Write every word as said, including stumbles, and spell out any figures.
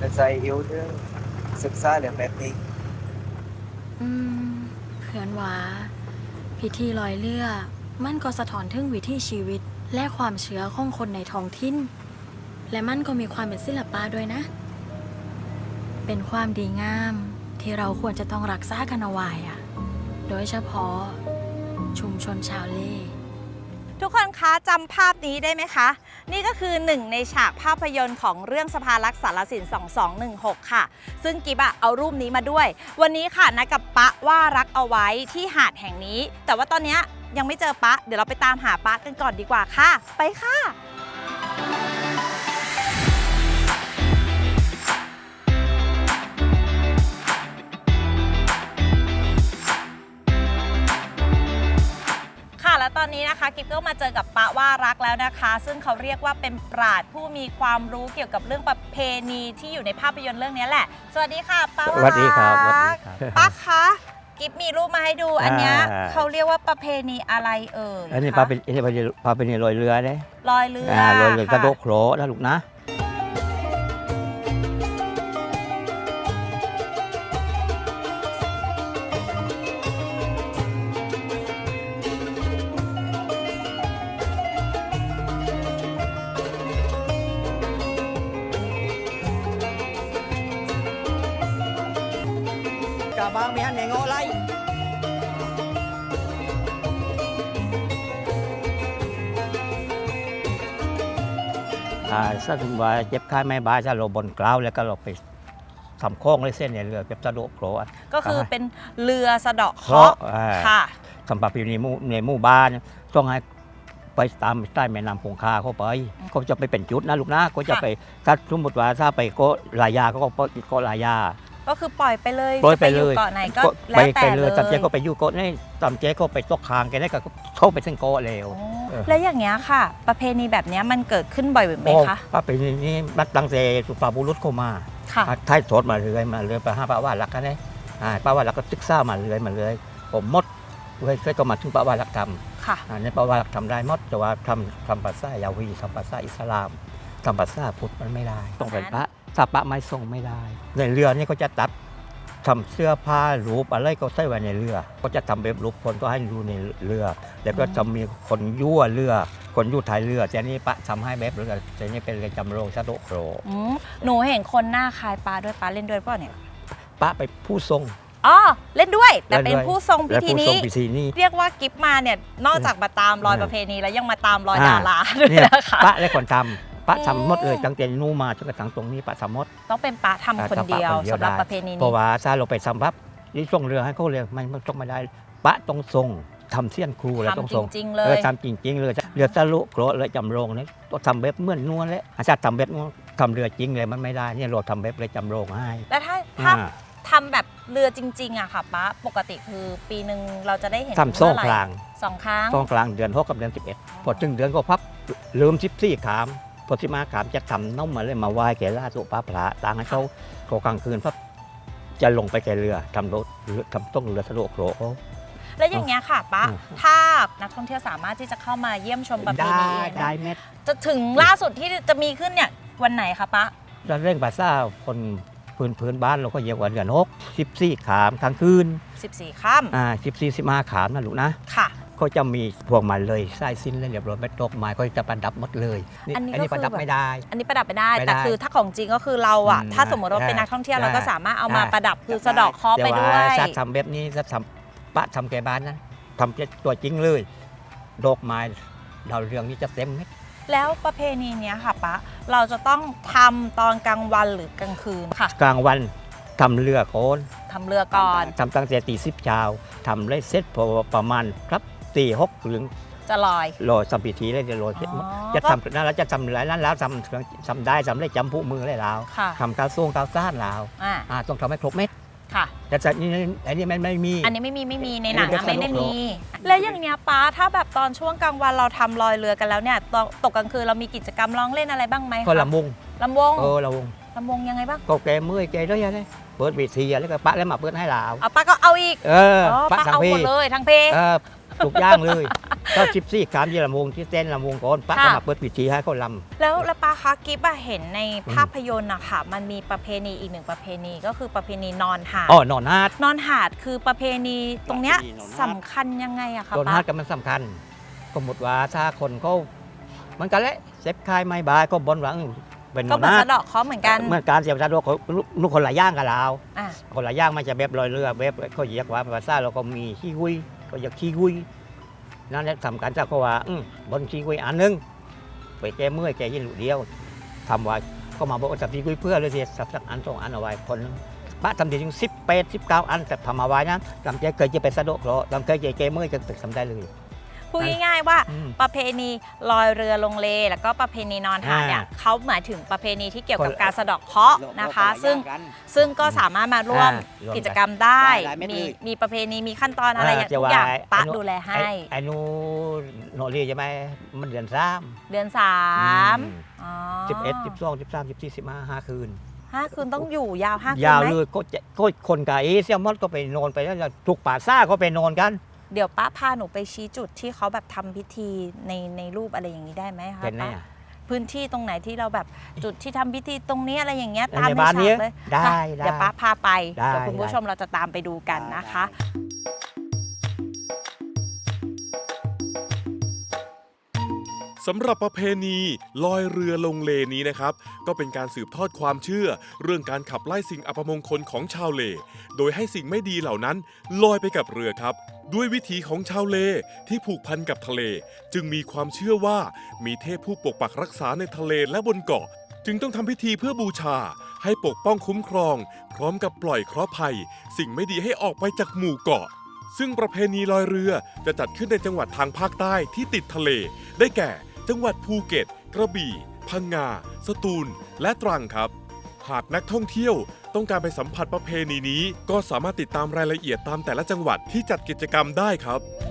เป็นใจyêu thươngศึกษาเรื่องแบบนี้อืมเพื่อนว่าพิธีลอยเรือมันก็สะท้อนถึงวิถีชีวิตและความเชื่อของคนในท้องถิ่นและมันก็มีความเป็นศิลปะด้วยนะ เป็นความดีงามที่เราควรจะต้องรักษากันเอาไว้อะโดยเฉพาะชุมชนชาวเล่ทุกคนคะจำภาพนี้ได้ไหมคะ นี่ก็คือหนึ่งในฉากภาพยนตร์ของเรื่องสภารักษ์สารสินสองสองหนึ่งหกค่ะซึ่งกิบอะเอารูปนี้มาด้วยวันนี้ค่ะนัดกับปะว่ารักเอาไว้ที่หาดแห่งนี้ แต่ว่าตอนนี้ยังไม่เจอปะเดี๋ยวเราไปตามหาปะกันก่อนดีกว่าค่ะไปค่ะและตอนนี้นะคะกิ๊บก็มาเจอกับปะว่ารักแล้วนะคะ ซึ่งเขาเรียกว่าเป็นปราชญ์ผู้มีความรู้เกี่ยวกับเรื่องประเพณีที่อยู่ในภาพยนตร์เรื่องนี้แหละสวัสดีค่ะปะว่ารักสวัสดีครับสวัสดีครับปะคะกิ๊บมีรูปมาให้ดูอันนี้เขาเรียกว่าประเพณีอะไรเอ่ยอันนี้ปลาเป็นอันนี้ปลาปลาเป็นลอยเรือเนี่ยลอยเรือลอยเรือกระโดดโขลนะลูกนะกาบางมีฮันเงงอะไรถ้าถึงว่าเจ็บข้าไม่บายถ้าเราบนกล้าวแล้วก็เราไปทำโค้งเลยเส้นเนี่ยเรือเจ็บสะดุโขลก็คือเป็นเรือสะเดาะเคราะห์ค่ะสำหรับอยู่ในหมู่ในหมู่บ้านต้องให้ไปตามใต้แม่น้ำคงคาเข้าไปเขาจะไปเป็นจุดนะลูกนะก็จะไปถ้าสมมติว่าถ้าไปก็ลายาก็ก็ลายาก็คือปล่อยไปเลยปล่อยไปเลยเกาะไหนก็แล้วแต่เลยตามเจ๊ก็ไปอยู่เกาะนี่ตามเจ๊ก็ไปตกคางแกได้ก็เข้าไปเส้นเกาะเร็วแล้วอย่างเงี้ยค่ะประเพณีแบบนี้มันเกิดขึ้นบ่อยไหมคะประเพณีนี้บัดตั้งแต่สุปาบุรุษเข้ามาท้ายสดมาเรื่อยมาเรื่อยไปห้าป้าว่าหลักกันเลยป้าว่าหลักก็ศึกษามาเรื่อยมาเรื่อยผมมดเคยก็มาถึงป้าว่าหลักธรรมในป้าว่าหลักธรรมได้มดแต่ว่าทำทำภาษายาวีทำภาษาอิสลามทำภาษาพุทธมันไม่ได้ต้องเป็นพระถ้าพระไม่ทรงไม่ได้ในเรือนี่ก็จะตัดทำเสื้อผ้ารูปอะไรก็ใส่ไว้ในเรือก็จะทำแบบรูปคนก็ให้ดูในเรือแล้วก็จะมีคนยั่วเรือคนยั่วท้ายเรือแต่นี่ปะทำให้แบบเรือแต่นี่เป็นเรือจำลองชาโดโครหนูเห็นคนหน้าคล้ายปลาด้วยปลาเล่นด้วยเปล่าเนี่ยปะไปผู้ทรงอ๋อเล่นด้วยแต่เป็นผู้ทรงพิธีนี้เรียกว่ากิฟมาเนี่ยนอกจากมาตามรอยประเพณีแล้วยังมาตามรอยดาราด้วยนะคะปะและคนทำปะทำมดเลยตั้งแต่นู่มาจนกระทั่งตรงนี้ปะทำมดต้องเป็นปะทำคนเดียวสำหรับประเพณีนี้เพราะว่าถ้าเราไปทำปั๊บนี่ส่งเรือให้เขาเรือมันต้องไม่ได้ปะต้องทรงทำเสี้ยนครูแล้วต้องทรงเออทำจริงๆเลยเรือสลุโกรเลยจำลองนี่ต้องทำแบบเหมือนนวลเลยอาจารย์ทำแบบทำเรือจริงเลยมันไม่ได้เนี่ยเราทำแบบเลยจำลองให้แล้วถ้าถ้าทำแบบเรือจริงๆอะค่ะป้าปกติคือปีหนึ่งเราจะได้เห็นทำสองครั้งสองครั้งสองครั้งเดือนหกกับเดือนสิบเอ็ดพอถึงเดือนก็พับลืมสิบสี่ขามพอสิมาขามจะทำน้องมาเลยมาไหว้แกล่าสุปาพระต่างให้เขาโคกลางคืนพับจะลงไปแกเรือทำรถทำต้องเรือสะดวกโขลแล้วอย่างเงี้ยค่ะป้าถ้านักท่องเที่ยวสามารถที่จะเข้ามาเยี่ยมชมประเพณีได้เม็ดจะถึงล่าสุดที่จะมีขึ้นเนี่ยวันไหนคะป้าเรื่องภาษาคนพื้นพื้นบ้านเราก็เยอะกว่าเดือนหกสิบสี่ขามกลางคืนสิบสี่ค่ำอ่าสิบสี่สิบห้าขามนะลูกนะค่ะก็จะมีพวงมาเลยไส้สิ้นเลยเรียบร้อยไม่ตกไม้ก็จะประดับหมดเลยอันนี้ประดับไม่ได้อันนี้ประดับไม่ได้แต่คือถ้าของจริงก็คือเราอ่ะถ้าสมมติว่าเป็นนักท่องเที่ยวเราก็สามารถเอามาประดับคือสะดอกเคราะห์ไปด้วยถ้าทำแบบนี้ถ้าทำปะทำแกบ้านนะทำตัวจริงเลยดอกไม้ดาวเรืองนี้จะเต็มไหมแล้วประเพณีนี้ค่ะปะเราจะต้องทำตอนกลางวันหรือกลางคืนค่ะกลางวันทำเรือโคนทำเรือก่อนทำตั้งแต่ตีสิบเช้าทำเลยเสร็จพอประมาณครับตีหกถึงจะลอยลอยสัมพิธีเลยจะลอยเสร็จจะทำนั่นแล้วจะทำหลายนั้นแล้วทำทำได้ทำได้จำผู้มือเลยแล้วทำกาวซ่วงกาวซ่านแล้วต้องทำให้ครบเม็ดค่ะแต่จากนี้อันนี้ไม่ไม่มีอันนี้ไม่มีไม่มีในหนังไม่ได้มีแล้วอย่างเนี้ยป้าถ้าแบบตอนช่วงกลางวันเราทำลอยเรือกันแล้วเนี่ยตกกลางคืนเรามีกิจกรรมร้องเล่นอะไรบ้างไหมก็ลำวงลำวงเออลำวงลำวงยังไงบ้างก็แกเมื่อยแกด้วยยังไงเปิดเวทีแล้วก็ป้าแล้วมาเปิดให้เราเอาป้าก็เอาอีกเออป้าเอาหมดเลยทั้งเพลงเออทุกอย่างเลยก็สิบสี่คำยี่ลำวงที่เต้นลำวงก่อนป้าก็มาเปิดพิธีให้เขาลำแล้วแล้วป้าคะกิ๊บอะเห็นในภาพยนตร์อะค่ะมันมีประเพณีอีกหนึ่งประเพณีก็คือประเพณีนอนหาดอ๋อนอนนาดนอนหาดคือประเพณีตรงเนี้ยประเพณีนอนหาดสำคัญยังไงอะคะนอนป้านาดก็มันสำคัญสมมติว่าถ้าคนเขามันกันแหละเซ็บคายไม่บายก็บนหวังเป็นนก็อนเหมือนนาดสะเดาะเคราะห์เหมือนกันเมื่อการเสียบชาดกลูกคนละย่างกับเราอ่ะคนละย่างมันจะแบบลอยเรือแบบเขาเรียกว่าภาษาเราก็มีขี้กุยก็อยากขี้กุยนั่นแหละสำคัญจากเขาว่าอืมบนขี้กุยอันหนึงไปแก้เมื่อยแก้ยินหลุดเดียวทำไว้ก็มาบอกว่าสับขี้กุยเพื่อเลยสิสับสักอันสองอันเอาไว้คนนึงพระทำดีถึงสิบแปดสิบเก้าอันแต่ทำเอาไว้นะทำใจเคยจะไปสะดกเหรอทำเคยจะแก้เมื่อยจะตึกทำได้เลยพูดง่ายๆว่าอืมประเพณีลอยเรือลงเล แล้วก็ประเพณีนอนหาดเนี่ยอ่าเขาหมายถึงประเพณีที่เกี่ยวกับคนละการสะเดาะเคราะห์นะคะ ซึ่งซึ่งก็สามารถมาร่วมอ่ารวมกันกิจกรรมได้ได้ได้ไม่มีเลยมีประเพณีมีขั้นตอนอะไรอย่างจะทุกว่าอย่างป้าไอ้ดูแลให้ไอ้ไอ้นูโนเรียใช่ไหมมันเดือนสามเดือนสามอืมอ๋อสิบเอ็ดสิบสองสิบสามสิบสี่สิบห้าห้าคืนห้าคืนต้องอยู่ยาวห้าคืนยาวไหมเลยก็จะก็คนกับเอเซียมอดก็ไปนอนไปแล้วทุกป่าซ่าก็ไปนอนกันเดี๋ยวป้าพาหนูไปชี้จุดที่เขาแบบทำพิธีในในรูปอะไรอย่างนี้ได้ไหมคะเป็นไงป้าอ่ะพื้นที่ตรงไหนที่เราแบบจุดที่ทำพิธีตรงนี้อะไรอย่างเงี้ยในตามในบ้านฉานี้กเลยได้ค่ะได้เดี๋ยวป้าพาไปได้เดี๋ยวคุณผู้ได้ชมเราจะตามไปดูกันนะคะสำหรับประเพณีลอยเรือลงเลนี้นะครับก็เป็นการสืบทอดความเชื่อ เรื่องการขับไล่สิ่งอัปมงคลของชาวเล โดยให้สิ่งไม่ดีเหล่านั้นลอยไปกับเรือครับ ด้วยวิถีของชาวเลที่ผูกพันกับทะเล จึงมีความเชื่อว่ามีเทพผู้ปกปักรักษาในทะเลและบนเกาะ จึงต้องทำพิธีเพื่อบูชา ให้ปกป้องคุ้มครอง พร้อมกับปล่อยเคราะห์ภัย สิ่งไม่ดีให้ออกไปจากหมู่เกาะ ซึ่งประเพณีลอยเรือจะจัดขึ้นในจังหวัดทางภาคใต้ที่ติดทะเล ได้แก่ จังหวัดภูเก็ต กระบี่ พังงา สตูล และตรังครับ หากนักท่องเที่ยวต้องการไปสัมผัสประเพณีนี้ ก็สามารถติดตามรายละเอียดตามแต่ละจังหวัดที่จัดกิจกรรมได้ครับ